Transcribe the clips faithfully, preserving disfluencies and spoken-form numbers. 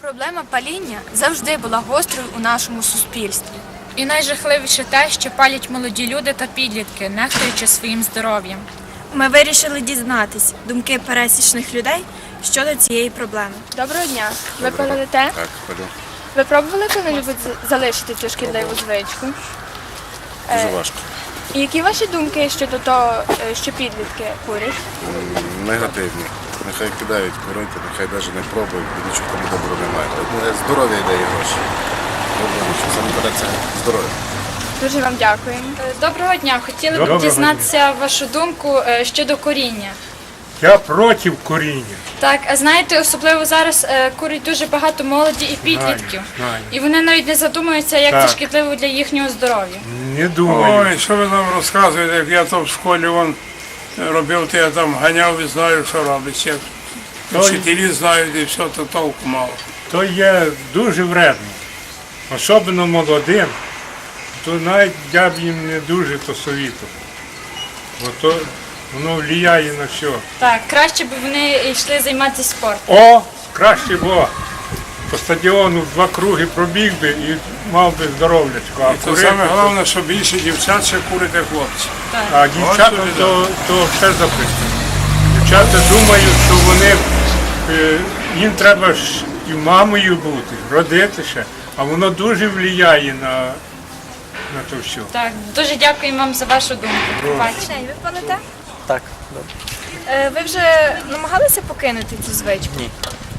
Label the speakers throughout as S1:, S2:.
S1: Проблема паління завжди була гострою у нашому суспільстві.
S2: І найжахливіше те, що палять молоді люди та підлітки, нехтуючи своїм здоров'ям.
S1: Ми вирішили дізнатись думки пересічних людей щодо цієї проблеми.
S3: Доброго дня. Ви палите?
S4: Так, палю.
S3: Ви пробували коли-небудь з- залишити цю шкідливу звичку?
S4: Дуже
S3: Е,
S4: важко.
S3: І які ваші думки щодо того, е, що підлітки курять?
S4: М, Негативні. Нехай кидають курити, нехай навіть не пробують, бо нічого тому доброго немає. Одне здоров'я йде і гроші. Добре, що саме береться здоров'я.
S3: Дуже вам дякуємо.
S2: Доброго дня. Хотіли б
S5: Доброго
S2: дізнатися вашу думку е, щодо куріння.
S5: Я проти куріння.
S2: Так, а знаєте, особливо зараз е, курить дуже багато молоді і підлітків.
S5: знаю.
S2: І вони навіть не задумуються, як це
S5: Так.
S2: шкідливо для їхнього здоров'я.
S5: Не думаю.
S6: Ой, що ви нам розказуєте, як я там в школі вон робив, то я там ганяв і знаю, що робиться. Як
S5: То-
S6: вчителі знають і все, то толку мало.
S5: То є дуже вредно. Особливо молодим, то навіть я б їм не дуже то совітував. Бо то воно впливає на все.
S2: Так, краще б вони йшли займатися спортом.
S5: О, краще було. По стадіону два круги пробіг би і мав би здоров'ячко. А
S6: І то
S5: курити,
S6: саме головне, що більше дівчат ще курить, як хлопці.
S5: а дівчата
S6: От
S5: то, то все записано. Дівчата думають, що вони, е, їм треба ж і мамою бути, родити ще, а воно дуже впливає на, на то все.
S2: Так, дуже дякуємо вам за вашу думку. Побачення.
S1: Ви палите?
S7: Так, добре.
S1: Е, Ви вже намагалися покинути цю звичку?
S7: Ні.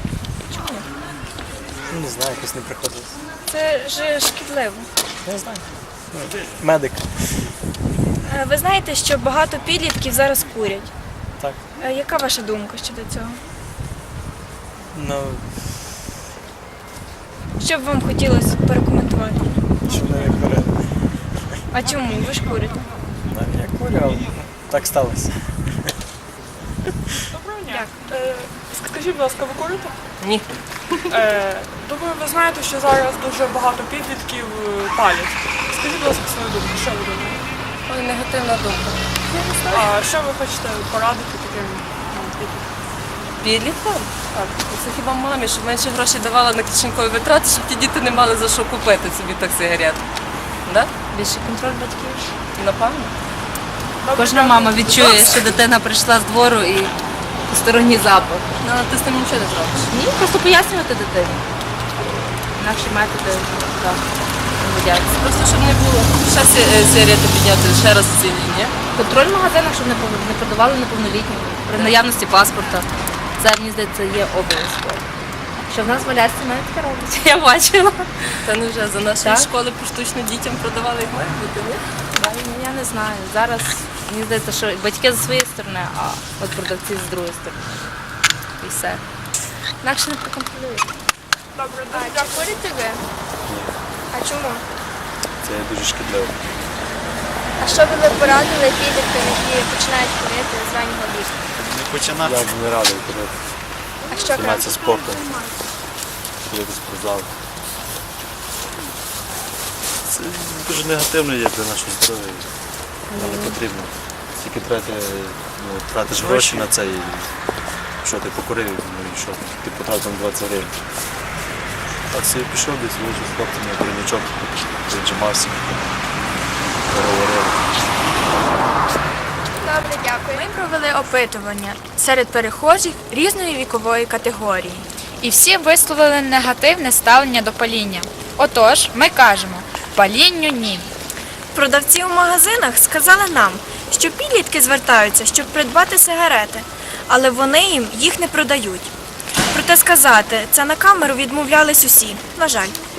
S7: Ну, не знаю, якось не приходилось.
S1: Це ж шкідливо.
S7: Не знаю. Ну, медик.
S1: Е, Ви знаєте, що багато підлітків зараз курять.
S7: Так.
S1: Е, Яка ваша думка щодо цього?
S7: Ну,
S1: Що б вам хотілося порекомендувати?
S7: щоб не курити.
S1: А чому? Ви ж курите?
S7: Так, я курю, але так сталося.
S8: Е, Скажіть, будь ласка, ви курите?
S7: Ні.
S8: Е, Думаю, ви знаєте, що зараз дуже багато підлітків е, палять. Скажіть, будь ласка, свою думку, що ви думаєте?
S9: Ой, негативна думка.
S8: А що ви хочете порадити таким ну, підліткам?
S9: Підліткам? Так. Це хіба мамі, щоб менше грошей давала на кишенькові витрати, щоб ті діти не мали за що купити собі так сигарет. Да?
S1: Більше контроль батьків.
S9: Напевно. Кожна мама відчує, що дитина прийшла з двору і посторонній запах. Ну, але ти з тим нічого не зробиш. Ні, просто пояснювати дитині. Інакші методи, так, не годяться. Просто щоб не було. Ще сі- сигарети підняти, ще раз ці ні. Контроль в магазинах, щоб не пов- не продавали неповнолітнім. При наявності паспорта. Це, мені здається, є обов'язково. Що в нас в Алясці навіть таке роблять. Я бачила. Та не вже за нашої школи поштучно дітям продавали, як має бути, ні?
S2: Я не знаю. Зараз мені здається, що батьки з своєї сторони, а от продавці з другої сторони. І все. Інакше не проконтролюють.
S8: Добре,
S1: А
S8: дуже
S1: чи
S8: дякую.
S1: курите ви? А чому?
S7: Це дуже шкідливо.
S1: А що би ви порадили підліткам, які починають курити з раннього віку?
S7: Не починати. Я б не радий курити.
S1: А що
S7: Займатися
S1: краще?
S7: спортом. Ходити в спортзал. Це дуже негативно є для нашого здоров'я. Нам не потрібно. Тільки трати, ну, тратиш гроші на це і що ти покурив, ну і що, ти потратив двадцять гривень. Так собі пішов десь, вийшов з хлопцями, корінячок, віджимався, поговорили.
S1: Добре, дякую. Ми провели опитування серед перехожих різної вікової категорії.
S2: І всі висловили негативне ставлення до паління. Отож, ми кажемо, палінню ні.
S1: Продавці у магазинах сказали нам, що підлітки звертаються, щоб придбати сигарети, але вони їм їх не продають. Проте сказати це на камеру відмовлялись усі. На жаль.